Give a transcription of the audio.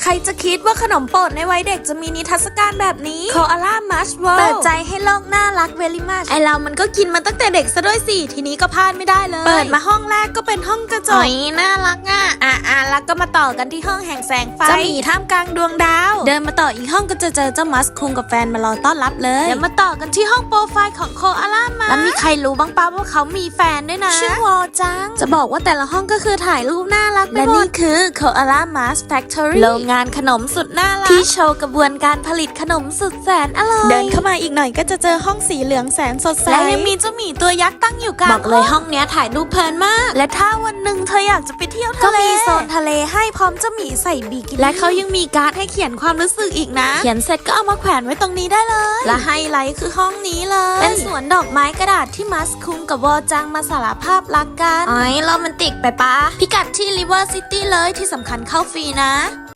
ใครจะคิดว่าขนมโปรดในวัยเด็กจะมีนิทรรศการแบบนี้โคอาล่ามัชเวิลด์เปิดใจให้โลกน่ารักเวลิมัชไอเรามันก็กินมาตั้งแต่เด็กซะด้วยสิทีนี้ก็พลาดไม่ได้เลยเปิดมาห้องแรกก็เป็นห้องกระจกน่ารักแล้วก็มาต่อกันที่ห้องแห่งแสงไฟจะมีท่ามกลางดวงดาวเดินมาต่ออีกห้องก็จะเจอเจ้ามัสคุงกับแฟนมารอต้อนรับเลยเดี๋ยวมาต่อกันที่ห้องโปรไฟล์ของโคอาล่ามัชแล้วมีใครรู้บ้างป้าว่าเขามีแฟนด้วยนะชื่อวอจังจะบอกว่าแต่ละห้องก็คือถ่ายรูปน่ารักและนี่คือ Koala Mask Factory โรงงานขนมสุดน่ารักที่โชว์กระบวนการผลิตขนมสุดแสนอร่อยเดินเข้ามาอีกหน่อยก็จะเจอห้องสีเหลืองแสนสดใสและยังมีเจ้าหมีตัวยักษ์ตั้งอยู่กลางบอกเลยห้องเนี้ยถ่ายรูปเพลินมากและถ้าวันหนึ่งเธออยากจะไปเที่ยวทะเลก็มีโซนทะเลให้พร้อมเจ้าหมีใส่บิกินี่และเขายังมีการ์ดให้เขียนความรู้สึกอีกนะเขียนเสร็จก็เอามาแขวนไว้ตรงนี้ได้เลยและไฮไลท์คือห้องนี้เลยเป็นสวนดอกไม้กระดาษที่มัสคุงกับวอจังมาสารภาพรักกันโรแมนติกไปปะพิกัดที่ River City เลยที่สำคัญเข้าฟรีนะ